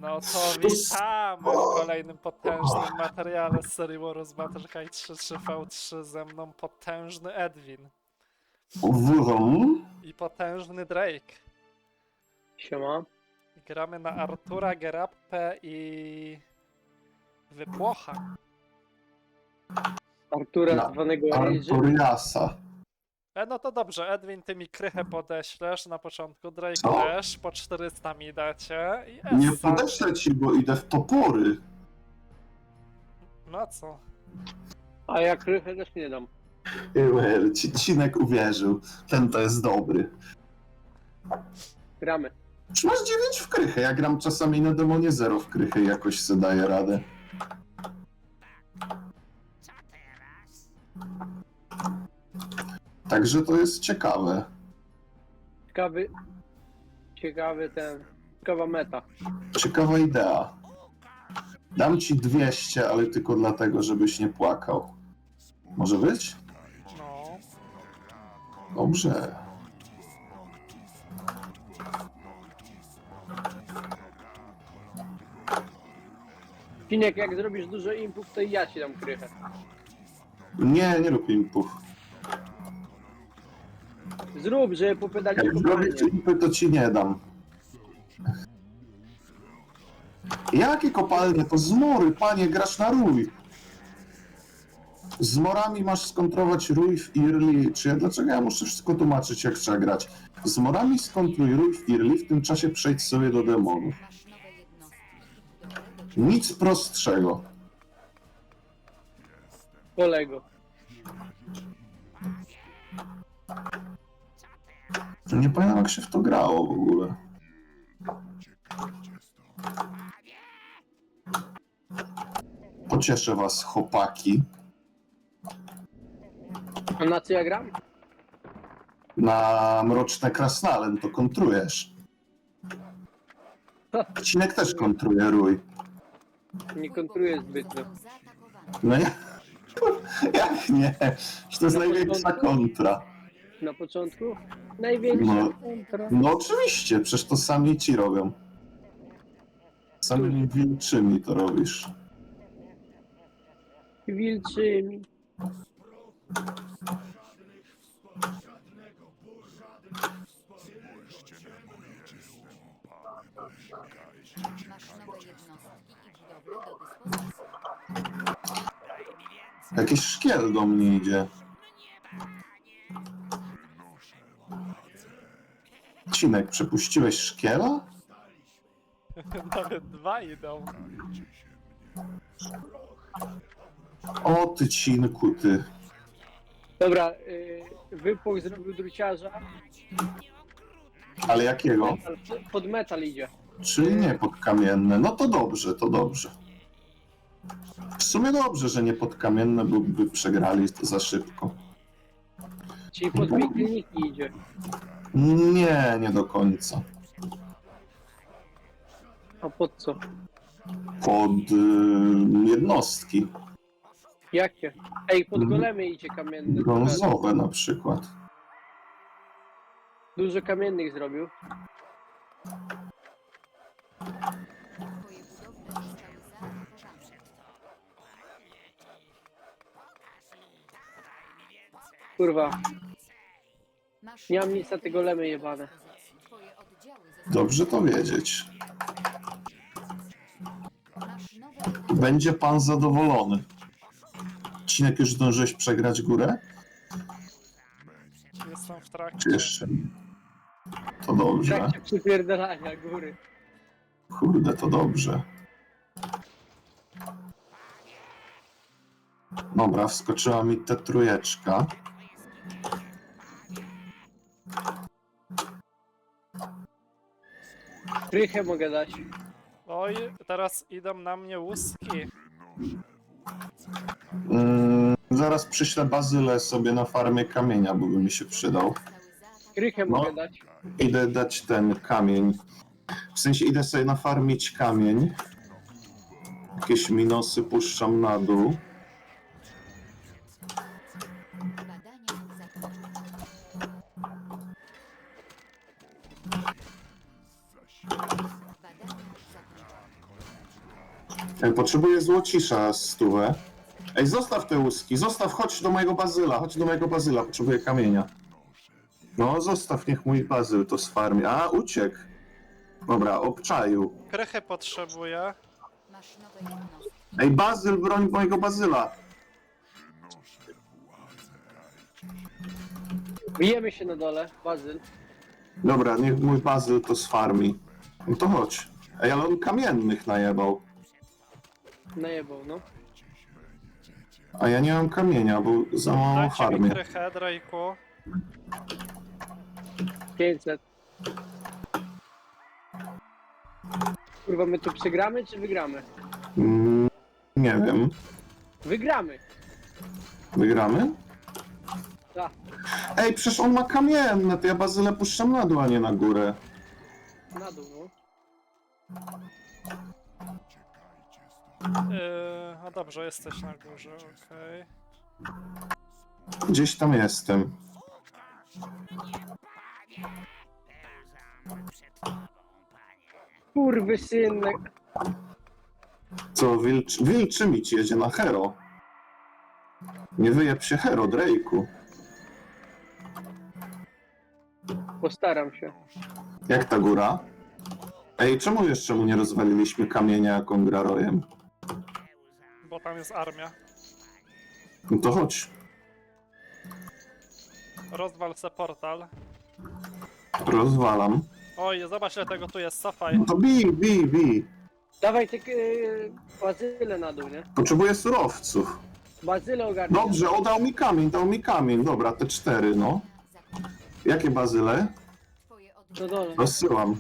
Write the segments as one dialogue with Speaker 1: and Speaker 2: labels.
Speaker 1: No to witamy w kolejnym potężnym materiale z serii Warus Battle Kai 3-3v3. Ze mną potężny Edwin
Speaker 2: Wurą?
Speaker 1: i potężny Drake.
Speaker 3: Siema.
Speaker 1: Gramy na Artura, Gerappę i Wypłocha.
Speaker 3: Artura
Speaker 2: Na
Speaker 3: zwanego Ryży.
Speaker 2: Arturiasa.
Speaker 1: No to dobrze, Edwin, ty mi krychę podeślesz na początku, Drake
Speaker 2: Co?
Speaker 1: też, po 400 mi dacie i
Speaker 2: Nie
Speaker 1: Essa.
Speaker 2: podeślę ci, bo idę w topory.
Speaker 1: No co?
Speaker 3: A ja krychę też nie dam.
Speaker 2: Cinek uwierzył. Ten to jest dobry.
Speaker 3: Gramy.
Speaker 2: Czy masz 9 w krychę? Ja gram czasami na demonie 0 w krychę i jakoś sobie daję radę. Także to jest ciekawe.
Speaker 3: Ciekawa meta.
Speaker 2: Ciekawa idea. Dam ci 200, ale tylko dlatego, żebyś nie płakał. Może być?
Speaker 1: No.
Speaker 2: Dobrze.
Speaker 3: Cinek, jak zrobisz dużo impów, to i ja ci dam krychę.
Speaker 2: Nie rób impów.
Speaker 3: Zrób, żeby popedali
Speaker 2: Jak
Speaker 3: kopalnię.
Speaker 2: zrobisz impy, to ci nie dam. Jakie kopalnie? To zmory, panie, grasz na rój. Z morami masz skontrować rój w Early. Dlaczego ja muszę wszystko tłumaczyć, jak trzeba grać? Z morami skontruj rój w Early, w tym czasie przejdź sobie do demonów. Nic prostszego.
Speaker 3: Kolego.
Speaker 2: Nie pamiętam, jak się w to grało w ogóle. Pocieszę was, chłopaki.
Speaker 3: A na co ja gram?
Speaker 2: Na mroczne krasnalen to kontrujesz. Cinek też kontruje rój.
Speaker 3: Nie kontruję zbytnio.
Speaker 2: No ja... Jak nie? Że to jest największa kontra.
Speaker 3: Na początku? Największa
Speaker 2: No.
Speaker 3: kontra.
Speaker 2: No oczywiście, przecież to sami ci robią. Samymi wilczymi to robisz.
Speaker 3: Wilczymi.
Speaker 4: Masz nowe jednostki i budowle do dyspozycji.
Speaker 2: Jakiś szkiel do mnie idzie. Cinek, przepuściłeś szkiela?
Speaker 1: Nawet dwa idą.
Speaker 2: O ty cinku, ty.
Speaker 3: Dobra, Wypłoch zrobił druciarza.
Speaker 2: Ale jakiego?
Speaker 3: Pod metal idzie.
Speaker 2: Czyli nie podkamienne. No to dobrze, to dobrze. W sumie dobrze, że nie podkamienne, bo by przegrali to za szybko.
Speaker 3: Czyli pod piekielniki idzie.
Speaker 2: Nie do końca.
Speaker 3: A pod co?
Speaker 2: Pod jednostki.
Speaker 3: Jakie? Ej, pod golemy idzie kamienny.
Speaker 2: Brązowe na przykład.
Speaker 3: Dużo kamiennych zrobił.
Speaker 4: Twoje budowle zostały zaatakowane.
Speaker 3: Kurwa,
Speaker 4: Masz
Speaker 3: nie mam nic na te golemy jebane.
Speaker 4: Twoje oddziały zostały
Speaker 2: Dobrze to wiedzieć.
Speaker 4: Masz nowe jednostki.
Speaker 2: Będzie pan zadowolony. Cinek, już zdążyłeś przegrać górę?
Speaker 1: Jestem w trakcie.
Speaker 2: Czy jeszcze nie? To
Speaker 3: W
Speaker 2: dobrze.
Speaker 3: trakcie przypierdalania góry.
Speaker 2: Kurde, to dobrze. Dobra, wskoczyła mi ta trójeczka.
Speaker 3: Krychę mogę dać.
Speaker 1: Oj, teraz idą na mnie łuski.
Speaker 2: Zaraz przyślę bazylę sobie na farmie kamienia, bo by mi się przydał.
Speaker 4: Zostały zaatakowane.
Speaker 3: Krychę
Speaker 2: No.
Speaker 3: mogę dać.
Speaker 2: Idę dać ten kamień. W sensie idę sobie nafarmić kamień. Jakieś minusy puszczam na dół.
Speaker 4: Badania zakończone. Badania zakończone.
Speaker 2: Potrzebuję złocisza 100. Ej, zostaw te łuski, zostaw, chodź do mojego bazyla, potrzebuję kamienia. No, zostaw, niech mój bazyl to sfarmi. A, uciekł. Dobra, obczaił.
Speaker 1: Krychy potrzebuję.
Speaker 4: Masz nowe jednostki.
Speaker 2: Ej, bazyl, broń mojego bazyla.
Speaker 3: Bijemy się na dole, bazyl.
Speaker 2: Dobra, niech mój bazyl to sfarmi. No to chodź. Ej, ale on kamiennych najebał.
Speaker 3: Najebał, no.
Speaker 2: A ja nie mam kamienia, bo za mało
Speaker 1: Dajcie mi
Speaker 2: farmię.
Speaker 1: krychę, Drake'u.
Speaker 3: 500. Kurwa, my tu przegramy czy wygramy?
Speaker 2: Nie wiem.
Speaker 3: Wygramy!
Speaker 2: Wygramy?
Speaker 3: Tak,
Speaker 2: Ej, przecież on ma kamienne, to ja bazylę puszczam na dół, a nie na górę.
Speaker 3: na dół, no.
Speaker 1: No dobrze, jesteś na górze, okej.
Speaker 2: Gdzieś tam jestem.
Speaker 3: Kurwy synek.
Speaker 2: Co, wilczy mi ci jedzie na Hero. Nie wyjeb się Hero, Drake'u.
Speaker 3: Postaram się.
Speaker 2: Jak ta góra? Ej, czemu jeszcze mu nie rozwaliliśmy kamienia, jak on gra rojem?
Speaker 1: Bo tam jest armia.
Speaker 2: No to chodź.
Speaker 1: Rozwal se portal.
Speaker 2: Rozwalam.
Speaker 1: Oj, zobacz ile tego tu jest, cofaj.
Speaker 2: No to bij.
Speaker 3: Dawaj te bazyle na dół, nie?
Speaker 2: Potrzebuję surowców.
Speaker 3: Bazyle ogarnij.
Speaker 2: Dobrze, o, dał mi kamień. Dobra, te 4, no.
Speaker 4: Zakończone.
Speaker 2: Jakie bazyle?
Speaker 4: Twoje
Speaker 3: Na
Speaker 4: oddziały
Speaker 3: dole.
Speaker 2: Rozsyłam.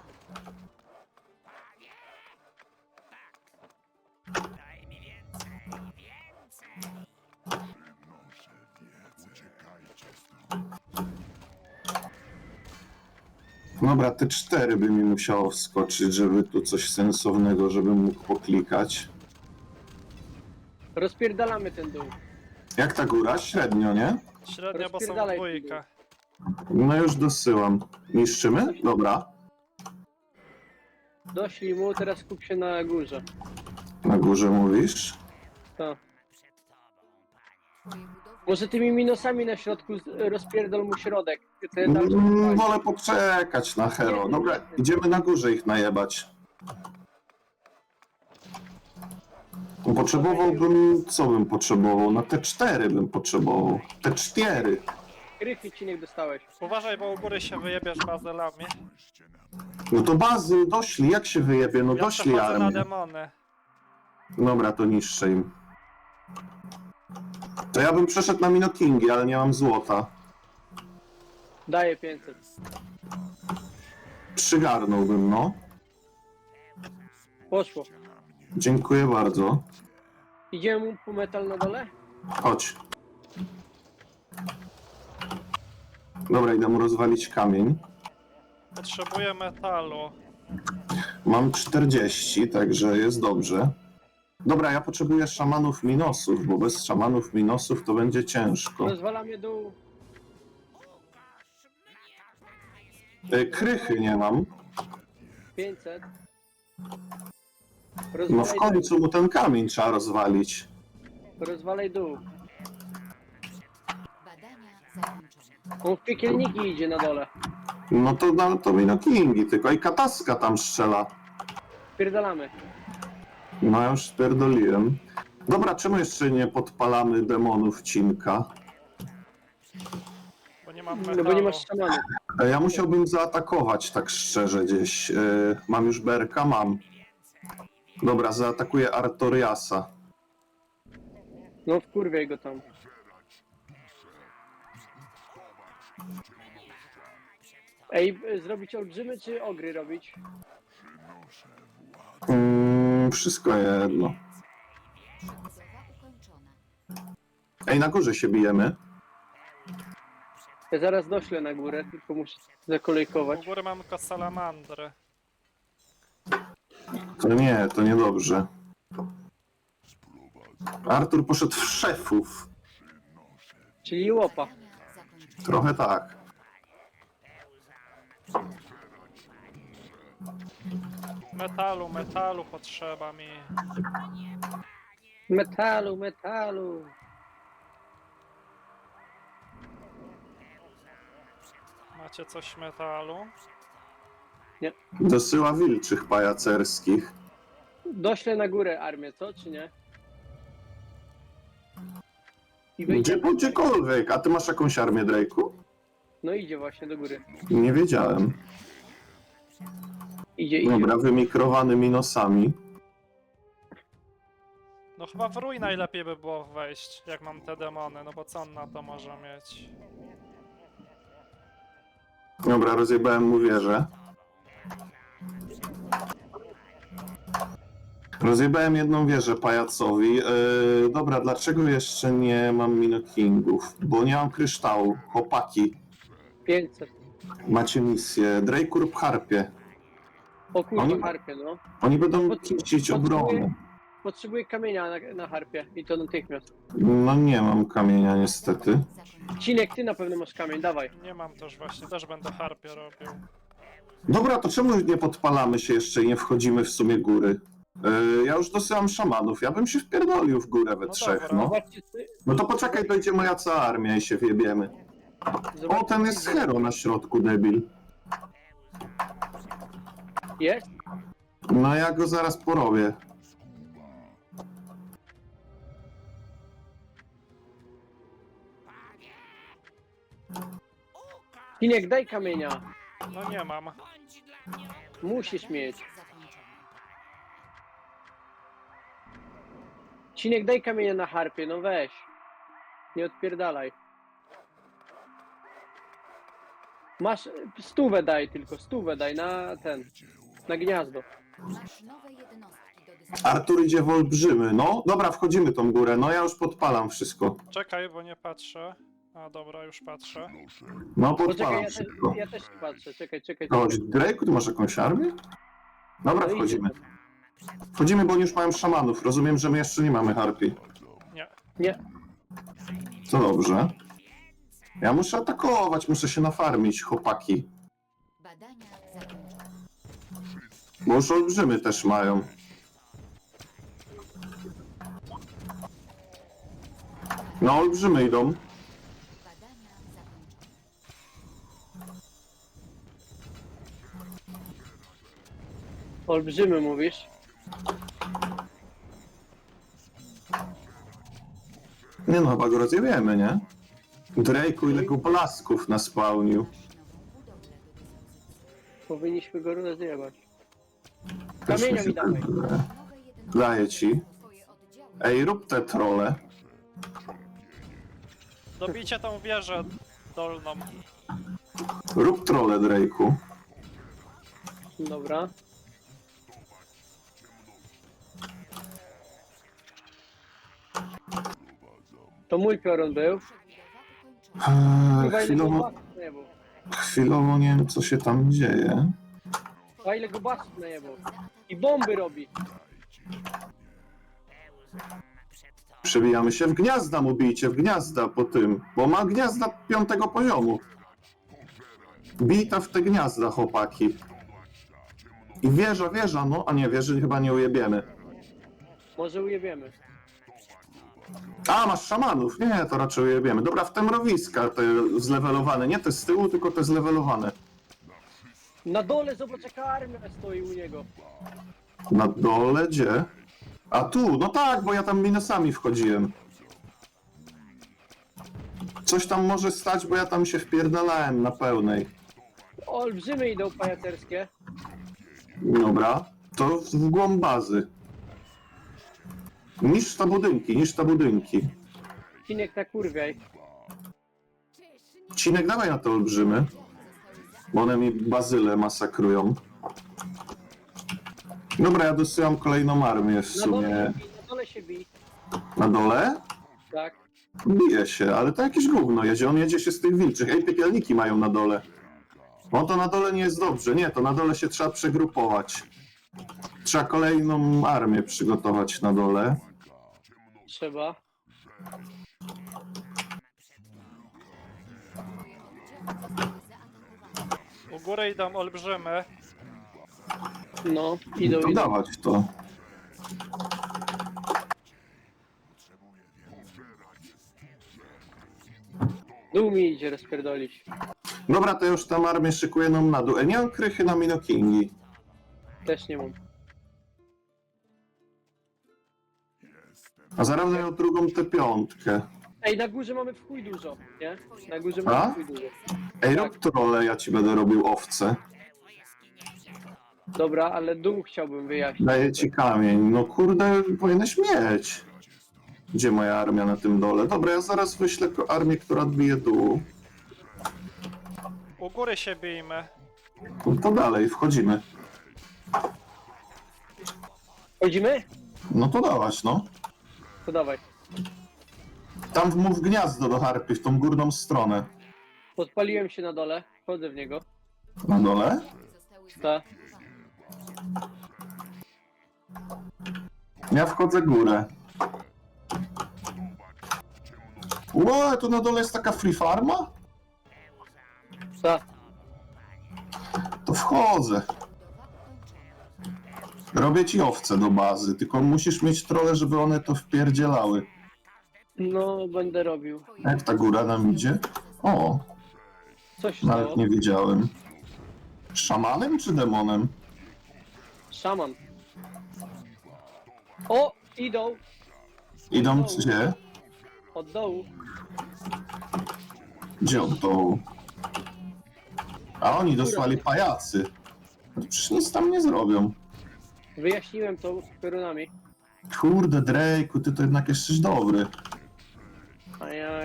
Speaker 2: Dobra, te 4 by mi musiało wskoczyć, żeby tu coś sensownego, żebym mógł poklikać.
Speaker 3: Rozpierdalamy ten dół.
Speaker 2: Jak ta góra? Średnio, nie?
Speaker 1: Średnio, bo są
Speaker 3: Rozpierdalaj
Speaker 1: dwójka.
Speaker 2: No już dosyłam. Niszczymy? Dobra.
Speaker 3: Doszli mu, teraz skup się na górze.
Speaker 2: Na górze mówisz?
Speaker 3: Tak.
Speaker 4: twoje budowle
Speaker 3: Może tymi minusami na środku rozpierdol mu środek. Te tam
Speaker 2: Wolę poczekać na Hero. Dobra, idziemy na górze ich najebać. Potrzebowałbym... Co bym potrzebował? Na te 4 bym potrzebował. Te 4.
Speaker 3: krychy cinek dostałeś.
Speaker 1: Uważaj, bo u góry się wyjebiesz bazylami.
Speaker 2: No to bazy, doszli. Jak się wyjebie? No
Speaker 1: Ja
Speaker 2: doszli
Speaker 1: przechodzę na
Speaker 2: armię.
Speaker 1: demony.
Speaker 2: Dobra, to niszczę im. To ja bym przeszedł na Minokingi, ale nie mam złota.
Speaker 3: Daję 500.
Speaker 2: Przygarnąłbym, no.
Speaker 3: Poszło.
Speaker 2: Dziękuję bardzo.
Speaker 3: Idziemy mu po metal na dole?
Speaker 2: Chodź. Dobra, idę mu rozwalić kamień.
Speaker 1: Potrzebuję metalu.
Speaker 2: Mam 40, także jest dobrze. Dobra, ja potrzebuję szamanów minosów, bo bez szamanów minosów to będzie ciężko.
Speaker 3: Rozwalamy dół.
Speaker 2: Krychy nie mam.
Speaker 3: 500.
Speaker 2: No w końcu mu ten kamień trzeba rozwalić.
Speaker 3: Rozwalaj dół.
Speaker 4: badania zakończone.
Speaker 3: On w piekielniki idzie na dole.
Speaker 2: No to Minokingi, tylko i Kataska tam strzela.
Speaker 3: Pierdalamy.
Speaker 2: No ja już spierdoliłem. Dobra, czemu jeszcze nie podpalamy demonów Cinka?
Speaker 1: Bo nie mam
Speaker 3: No
Speaker 1: metalu.
Speaker 3: bo nie masz szamanu.
Speaker 2: Ja musiałbym zaatakować tak szczerze gdzieś. Mam już Berka? Mam. Dobra, zaatakuję Artoriasa.
Speaker 3: No wkurwiaj go tam. Ej, zrobić olbrzymy czy ogry robić?
Speaker 2: Wszystko jedno.
Speaker 4: Budowa ukończona.
Speaker 2: Ej, na górze się bijemy.
Speaker 3: Ja zaraz doślę na górę, tylko muszę
Speaker 1: U
Speaker 3: zakolejkować.
Speaker 1: góry mam tylko salamandry.
Speaker 2: To niedobrze. Artur poszedł w szefów.
Speaker 3: Czyli łopa.
Speaker 4: Badania zakończone.
Speaker 2: Trochę tak.
Speaker 1: Metalu potrzeba mi.
Speaker 3: Metalu.
Speaker 1: Macie coś metalu?
Speaker 2: Dosyła wilczych pajacerskich.
Speaker 3: Doślę na górę armię, co? Czy nie? I
Speaker 2: Gdzie,
Speaker 3: wyjdziemy.
Speaker 2: gdziekolwiek. A ty masz jakąś armię, Drake'u?
Speaker 3: No idzie właśnie do góry.
Speaker 2: Nie wiedziałem.
Speaker 3: Idzie.
Speaker 2: Dobra, wymikrowany minosami.
Speaker 1: No chyba w rój najlepiej by było wejść, jak mam te demony, no bo co on na to może mieć?
Speaker 2: Dobra, rozjebałem mu wieżę. Rozjebałem jedną wieżę pajacowi. Dobra, dlaczego jeszcze nie mam minokingów? Bo nie mam kryształu. Chłopaki,
Speaker 3: 500.
Speaker 2: macie misję. Drake'u rób harpie.
Speaker 3: O kurwa,
Speaker 2: Oni-
Speaker 3: harpie, no.
Speaker 2: Oni będą czyścić obronę.
Speaker 3: Potrzebuję kamienia na harpie i to natychmiast.
Speaker 2: No nie mam kamienia niestety.
Speaker 3: Cinek, ty na pewno masz kamień, dawaj.
Speaker 1: Nie mam też właśnie, też będę harpie robił.
Speaker 2: Dobra, to czemu nie podpalamy się jeszcze i nie wchodzimy w sumie góry? Ja już dosyłam szamanów. Ja bym się wpierdolił w górę we
Speaker 1: No
Speaker 2: trzech,
Speaker 1: dobra.
Speaker 2: no.
Speaker 3: Zobaczcie,
Speaker 2: No to poczekaj, dojdzie moja cała armia i się wjebiemy. O, ten jest hero na środku, debil.
Speaker 3: Jest?
Speaker 2: No ja go zaraz porobię.
Speaker 3: Cinek, daj kamienia.
Speaker 1: No nie mam.
Speaker 3: Musisz mieć.
Speaker 4: Zakończone.
Speaker 3: Cinek, daj kamienia na harpie, no weź. Nie odpierdalaj. Masz, stówę daj tylko, stówę daj na ten, na gniazdo.
Speaker 4: Masz nowe jednostki do dyspozycji.
Speaker 2: Artur idzie w olbrzymy. No, dobra, wchodzimy tą górę. No ja już podpalam wszystko.
Speaker 1: Czekaj, bo nie patrzę. A dobra, już patrzę.
Speaker 2: No,
Speaker 3: Poczekaj,
Speaker 2: podpalam wszystko.
Speaker 3: ja też patrzę, czekaj.
Speaker 2: Chodź, Drake'u, ty masz jakąś armię? Dobra,
Speaker 3: No
Speaker 2: wchodzimy.
Speaker 3: idzie.
Speaker 2: Wchodzimy, bo oni już mają szamanów. Rozumiem, że my jeszcze nie mamy harpii.
Speaker 1: Nie.
Speaker 3: Nie,
Speaker 2: To dobrze. Ja muszę atakować, muszę się nafarmić, chłopaki.
Speaker 4: Badania zakończone.
Speaker 2: Bo już olbrzymy też mają. No, olbrzymy idą.
Speaker 4: Badania zakończone.
Speaker 3: olbrzymy mówisz.
Speaker 2: Nie no, chyba go rozjebiemy, nie? Drake'u, ile go blasków naspałnił.
Speaker 4: Masz nową budowlę do dyspozycji.
Speaker 3: Powinniśmy go rozjebać.
Speaker 2: Też
Speaker 3: Kamienia
Speaker 2: mi się
Speaker 3: mi dawaj.
Speaker 2: tak wydaje.
Speaker 4: Nowe jednostki.
Speaker 2: Daję ci.
Speaker 4: Twoje oddziały.
Speaker 2: Ej, rób te trole.
Speaker 1: Dobijcie tą wieżę dolną.
Speaker 2: Rób trole, Drake'u.
Speaker 3: Dobra. To mój piorun był.
Speaker 4: Przebudowa ukończona.
Speaker 3: Chyba ile go
Speaker 2: Chwilowo,
Speaker 3: basów najebał.
Speaker 2: chwilowo nie wiem, co się tam dzieje.
Speaker 3: A ile go basów najebał. I bomby robi.
Speaker 2: Przebijamy się w gniazda, mu bijcie w gniazda po tym, bo ma gniazda 5. poziomu. Bijta w te gniazda, chłopaki. I wieża, no, a nie, wieży chyba nie ujebiemy.
Speaker 3: Może ujebiemy.
Speaker 2: A, masz szamanów, nie, to raczej ujebiemy. Dobra, w te mrowiska, te zlewelowane, nie te z tyłu, tylko te zlewelowane.
Speaker 3: Na dole zobacz jaka armia stoi u niego.
Speaker 2: Na dole, gdzie? A tu, no tak, bo ja tam minusami wchodziłem. Coś tam może stać, bo ja tam się wpierdalałem na pełnej.
Speaker 3: Olbrzymy idą pajacerskie.
Speaker 2: Dobra, to w głąb bazy. Niż te budynki.
Speaker 3: Cinek na kurwiaj.
Speaker 2: Cinek, dawaj na te olbrzymy, bo one mi bazyle masakrują. Dobra, ja dosyłam kolejną armię w
Speaker 3: Na dole
Speaker 2: sumie.
Speaker 3: się bij, na dole się bij.
Speaker 2: Na dole?
Speaker 3: Tak.
Speaker 2: Bije się, ale to jakieś gówno jedzie. On jedzie się z tych wilczych. Ej, piekielniki mają na dole. No to na dole nie jest dobrze. Nie, to na dole się trzeba przegrupować. Trzeba kolejną armię przygotować na dole.
Speaker 3: Trzeba.
Speaker 1: U góry idą olbrzymy.
Speaker 3: No, idą,
Speaker 2: To
Speaker 3: idą.
Speaker 2: dawać to.
Speaker 3: Dół mi idzie rozpierdolić.
Speaker 2: Dobra, to już tam armię szykuje nam na dół. Nie mam krychy na Minokingi.
Speaker 3: Też nie mam.
Speaker 2: A zaraz miał drugą T5.
Speaker 3: Ej, na górze mamy w chuj dużo, nie? Na górze
Speaker 2: A?
Speaker 3: mamy w chuj dużo.
Speaker 2: Ej, rob trole, ja ci będę robił owce.
Speaker 3: Dobra, ale dół chciałbym wyjaśnić.
Speaker 2: Daję ci kamień. No kurde, powinieneś mieć. Gdzie moja armia na tym dole? Dobra, ja zaraz wyślę armię, która odbije dół.
Speaker 1: U góry się bijmy.
Speaker 2: No to dalej, wchodzimy.
Speaker 3: Chodzimy?
Speaker 2: No to dawać, no.
Speaker 3: To dawaj.
Speaker 2: Tam mów gniazdo do harpy, w tą górną stronę.
Speaker 3: Podpaliłem się na dole, wchodzę w niego.
Speaker 2: Na dole?
Speaker 4: Zostały
Speaker 3: Tak.
Speaker 2: Ja wchodzę górę. Ło, tu na dole jest taka free farma?
Speaker 3: Tak.
Speaker 2: To wchodzę. Robię ci owce do bazy, tylko musisz mieć trole, żeby one to wpierdzielały.
Speaker 3: No, będę robił.
Speaker 2: Jak ta góra nam idzie? O,
Speaker 3: Co się
Speaker 2: nawet
Speaker 3: stało?
Speaker 2: nie wiedziałem. Szamanem czy demonem?
Speaker 3: Szaman. O! Idą!
Speaker 2: Idą gdzie?
Speaker 3: Od dołu.
Speaker 2: Gdzie od dołu? A oni dosłali pajacy. Przecież nic tam nie zrobią.
Speaker 3: Wyjaśniłem to z piorunami.
Speaker 2: Kurde, Drake'u, ty to jednak jesteś dobry.
Speaker 3: A jak...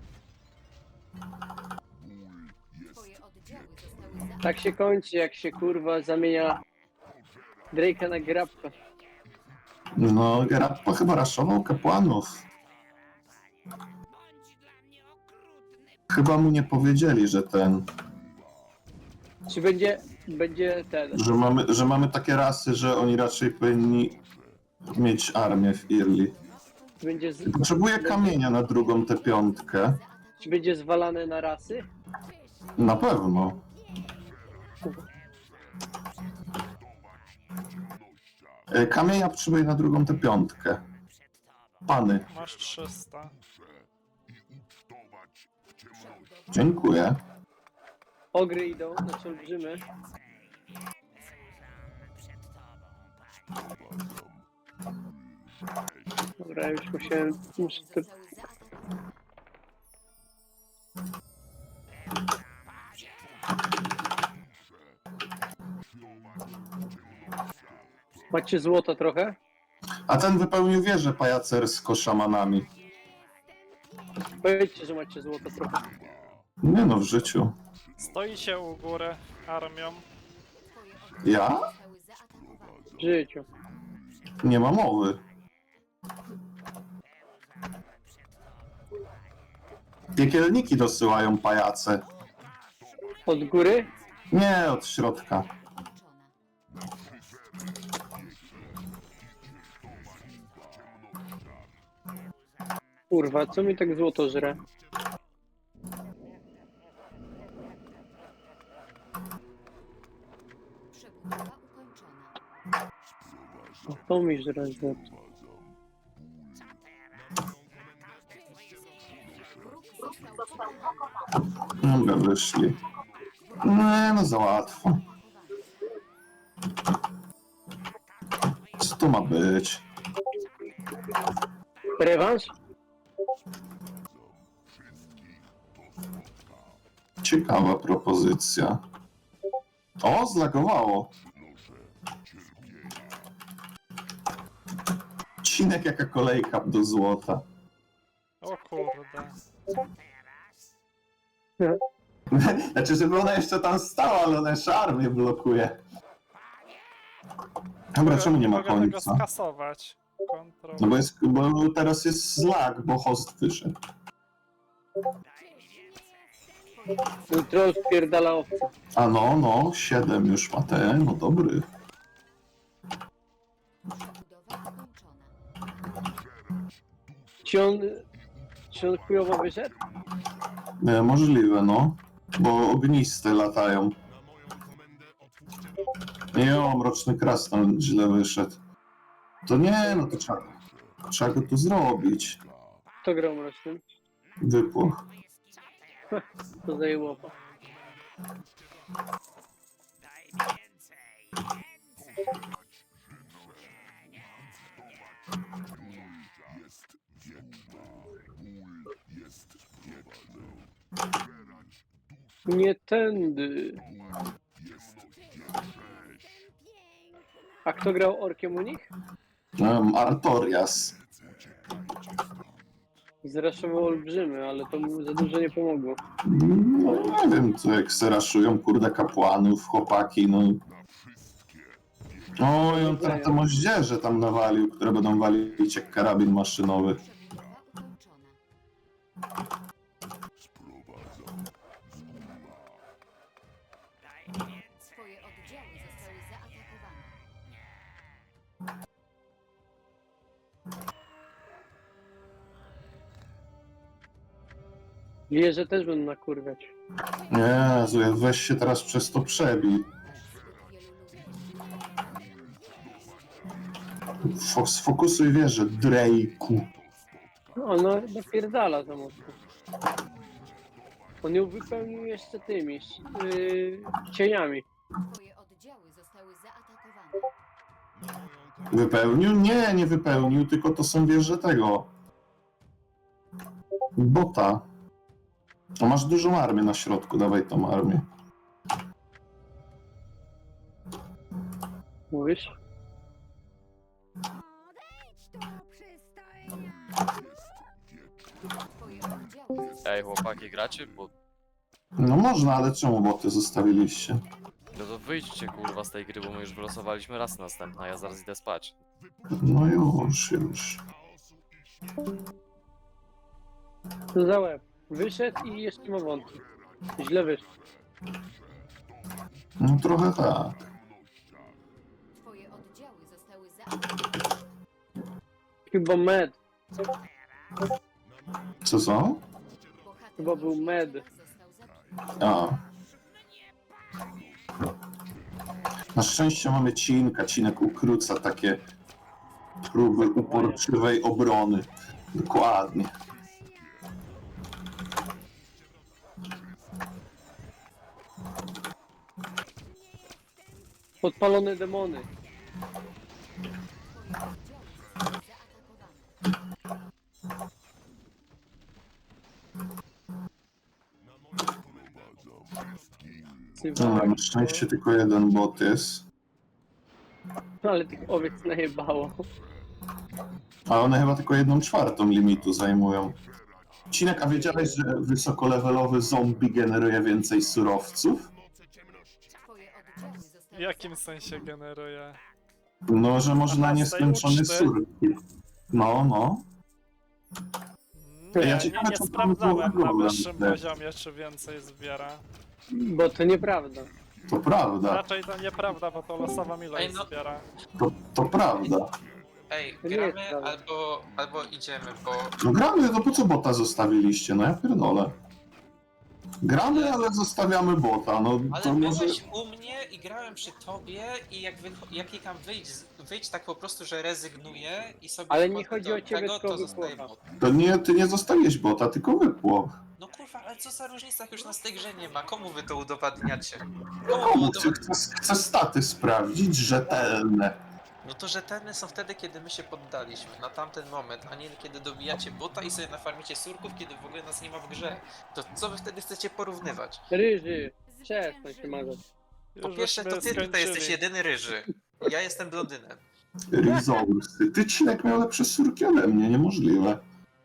Speaker 4: Twoje oddziały zostały za...
Speaker 3: Tak się kończy, jak się kurwa zamienia Drake'a na grabka.
Speaker 2: No, Gerappa chyba raszował kapłanów. Chyba mu nie powiedzieli, że
Speaker 3: Czy będzie ten...
Speaker 2: że mamy takie rasy, że oni raczej powinni mieć armię w Irli. Potrzebuję kamienia na drugą T5.
Speaker 3: Czy będzie zwalane na rasy?
Speaker 2: Na pewno. Kamienia potrzebuję na drugą T5. Pany,
Speaker 1: Masz 300.
Speaker 2: dziękuję.
Speaker 3: Ogry idą, znaczy olbrzymy. Dobra, już muszę to...
Speaker 4: Zostały zaatakowane.
Speaker 3: Macie złota trochę?
Speaker 2: A ten wypełnił wieżę pajacersko-szamanami.
Speaker 3: Powiedzcie, że macie złota trochę.
Speaker 2: Nie no, w życiu.
Speaker 1: Stoicie u góry armią.
Speaker 4: Twoje oddziały
Speaker 2: Ja?
Speaker 4: zostały zaatakowane.
Speaker 3: W życiu.
Speaker 2: Nie ma mowy. Piekielniki dosyłają pajace.
Speaker 3: Od góry?
Speaker 2: Nie, od środka.
Speaker 4: Kończona.
Speaker 3: Kurwa, co mi tak złoto żre?
Speaker 4: Przebudowa ukończona.
Speaker 3: To mi żre złoto.
Speaker 4: Wróg został pokonany.
Speaker 2: Dobra, wyszli. Nie no, za łatwo. Co to ma być?
Speaker 3: Rewanż?
Speaker 2: Ciekawa propozycja. O, zlagowało. Cinek jaka kolejka do złota.
Speaker 1: O kurde.
Speaker 2: Znaczy, żeby ona jeszcze tam stała, ale ona jeszcze armię blokuje. Dobra, czemu nie ma
Speaker 1: Mogę tego
Speaker 2: końca?
Speaker 1: skasować. Kontrol.
Speaker 2: No bo teraz jest zlag, bo host wyszedł.
Speaker 3: Troll wpierdala owce.
Speaker 2: A no, 7 już ma ten, no dobry.
Speaker 4: Przebudowa ukończona.
Speaker 3: Czy on chujowo wyszedł?
Speaker 2: Możliwe, no. Bo ogniste latają. Jo, mroczny krasnal źle wyszedł. To nie, no to trzeba go tu zrobić.
Speaker 3: Kto grał mrocznym?
Speaker 2: Wypłoch.
Speaker 3: To zajęło. Nie tędy. A kto grał orkiem u nich?
Speaker 2: Artorias.
Speaker 3: Zraszował olbrzymy, ale to mu za dużo nie pomogło.
Speaker 2: No nie wiem, co jak se raszują, kurde, kapłanów, chłopaki, no. Oj, on teraz te moździerze tam nawalił, które będą walić jak karabin maszynowy.
Speaker 4: Bitwa ukończona. Twoje oddziały zostały zaatakowane.
Speaker 3: Wieże też będą nakurwiać.
Speaker 2: Jezu, weź się teraz przez to przebij.
Speaker 4: Wielu ludzi
Speaker 2: Sfokusuj wieżę, Drake'u.
Speaker 3: Ona napierdala za mocno. On ją wypełnił jeszcze tymi cieniami.
Speaker 4: Twoje oddziały zostały zaatakowane.
Speaker 2: Wypełnił? Nie, nie wypełnił, tylko to są wieże tego. Bota. A masz dużą armię na środku, dawaj tą armię.
Speaker 3: Mówisz?
Speaker 4: Twoje oddziały
Speaker 5: Ej, chłopaki, gracie? Bo
Speaker 2: No można, ale czemu boty zostawiliście?
Speaker 5: no to wyjdźcie kurwa z tej gry, bo my już wylosowaliśmy raz następna, ja zaraz idę spać.
Speaker 2: No już.
Speaker 3: Co za łeb. Wyszedł i jeszcze ma wątki. Źle wyszedł.
Speaker 2: No trochę tak.
Speaker 4: Twoje oddziały zostały zaatakowane.
Speaker 3: Chyba med.
Speaker 2: Co?
Speaker 4: Bohater
Speaker 3: Chyba był med.
Speaker 4: został zabity.
Speaker 2: A. Na szczęście mamy Cinka. Cinek ukróca takie próby uporczywej obrony. Dokładnie.
Speaker 3: Podpalone demony.
Speaker 4: Twoje oddziały zostały zaatakowane.
Speaker 2: No, na szczęście tylko jeden bot jest.
Speaker 3: Ale tych owiec najebało.
Speaker 2: A one chyba tylko 1/4 limitu zajmują. Cinek, a wiedziałeś, że wysokolevelowy zombie generuje więcej surowców?
Speaker 4: Twoje oddziały zostały
Speaker 1: W jakim sensie generuje?
Speaker 2: No, że można
Speaker 1: A na
Speaker 2: nieskończone
Speaker 1: uczty?
Speaker 2: surki. No.
Speaker 1: Nie,
Speaker 2: Ja
Speaker 1: nie,
Speaker 2: ciekawe,
Speaker 1: nie
Speaker 2: co tam
Speaker 1: sprawdzałem na
Speaker 2: problem
Speaker 1: wyższym
Speaker 2: jest.
Speaker 1: poziomie, czy więcej zbiera.
Speaker 3: Bo to nieprawda.
Speaker 2: To prawda,
Speaker 1: Raczej to nieprawda, bo to losowa ilość
Speaker 6: Ej, no.
Speaker 1: zbiera.
Speaker 2: to prawda.
Speaker 6: Ej,
Speaker 3: To nie jest
Speaker 6: gramy
Speaker 3: prawda.
Speaker 6: albo idziemy, bo
Speaker 2: No gramy, no po co bota zostawiliście? No ja pierdolę. Gramy, ale zostawiamy bota, no
Speaker 6: ale
Speaker 2: to może...
Speaker 6: byłeś u mnie i grałem przy tobie i jak klikam wyjdź tak po prostu, że rezygnuję i sobie
Speaker 3: Ale nie
Speaker 6: wchodzę
Speaker 3: chodzi
Speaker 6: do
Speaker 3: o ciebie,
Speaker 6: tego,
Speaker 3: tylko
Speaker 6: to zostaje
Speaker 3: wypłocha.
Speaker 6: bot.
Speaker 2: To nie, ty nie zostawiłeś bota, tylko wypłoch.
Speaker 6: No kurwa, ale co za różnica, jak już nas w tej grze nie ma? Komu wy to udowadniacie?
Speaker 2: Komu chcę staty sprawdzić, rzetelne.
Speaker 6: No to rzetelne są wtedy, kiedy my się poddaliśmy, na tamten moment, a nie kiedy dobijacie bota i sobie nafarmicie surków, kiedy w ogóle nas nie ma w grze. To co wy wtedy chcecie porównywać?
Speaker 3: Ryży. Przestań się mazać.
Speaker 6: Po
Speaker 1: Już
Speaker 6: pierwsze, to
Speaker 1: żeśmy
Speaker 6: ty tutaj
Speaker 1: skończyli.
Speaker 6: jesteś jedyny ryży. Ja jestem blondynem.
Speaker 2: Resource. Ty, Cinek, miał lepsze surki ode mnie, niemożliwe.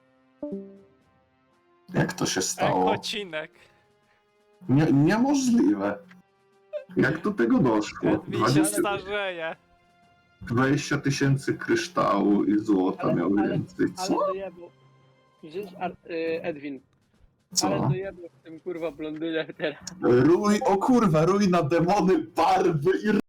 Speaker 2: Jak to się stało?
Speaker 1: Ekocinek.
Speaker 2: Niemożliwe. Jak do tego doszło?
Speaker 1: Edwin się starzeje.
Speaker 2: 20 000 kryształu i złota miał więcej.
Speaker 3: Ale
Speaker 2: Co?
Speaker 3: dojebał. Widzisz, Edwin. Ale
Speaker 2: Co?
Speaker 3: dojebał w tym kurwa blondynie teraz.
Speaker 2: Rój, o kurwa, rój na demony, barwy i